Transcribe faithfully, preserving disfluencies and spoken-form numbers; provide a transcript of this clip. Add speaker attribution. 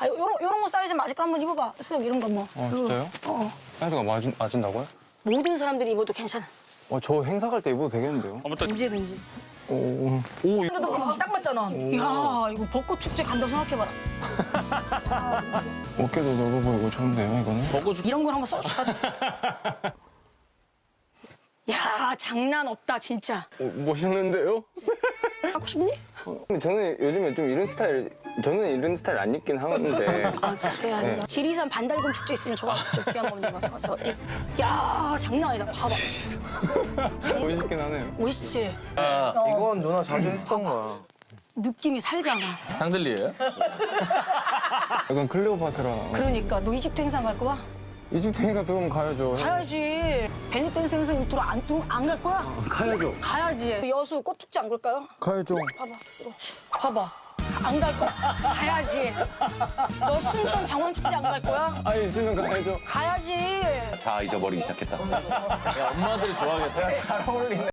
Speaker 1: 아, 요런, 요런 거 사이즈 맞을 거 한번 입어봐. 쓱 이런 거 뭐.
Speaker 2: 어, 진짜요?
Speaker 1: 어.
Speaker 2: 사이즈가 맞은, 맞은다고요?
Speaker 1: 모든 사람들이 입어도 괜찮아.
Speaker 2: 어, 저 행사 갈 때 입어도 되겠는데요?
Speaker 1: 언제든지.
Speaker 2: 오, 오, 이거
Speaker 1: 이거 딱 맞잖아. 야, 이거 벚꽃 축제 간다고 생각해봐라.
Speaker 2: 어깨도 넓어 보이고 좋은데요, 이거는?
Speaker 1: 이런 걸 한번 써줄까? 야, 장난 없다, 진짜.
Speaker 2: 어, 멋있는데요?
Speaker 1: 갖고 싶니?
Speaker 2: 근데 저는 요즘에 좀 이런 스타일, 저는 이런 스타일 안 입긴 하는데.
Speaker 1: 아, 그래, 아니야.
Speaker 2: 네.
Speaker 1: 지리산 반달곰 축제 있으면 저거 저 귀한 거 가서 저. 이- 야, 장난 아니다. 봐봐.
Speaker 2: 멋있긴 하네요.
Speaker 1: 멋있지?
Speaker 3: 이건 누나 자주 했던 거야.
Speaker 1: 느낌이 살잖아.
Speaker 4: 샹들리에요?
Speaker 2: 약간 클레오파트라.
Speaker 1: 그러니까 너 이집트 행사 갈 거야?
Speaker 2: 이집트 행사 들어오면 가야죠.
Speaker 1: 가야지. 벨리 댄스 행사 들어 안 들어 안갈 거야?
Speaker 2: 가야죠.
Speaker 1: 가야지. 여수 꽃축제 안 갈까요?
Speaker 3: 가야죠.
Speaker 1: 봐봐. 이거. 봐봐. 안 갈 거야. 가야지. 너 순천 장원축제 안 갈 거야?
Speaker 2: 아, 있으면 가야죠.
Speaker 1: 가야지.
Speaker 5: 자, 잊어버리기 시작했다.
Speaker 4: 야, 엄마들이 좋아하겠다.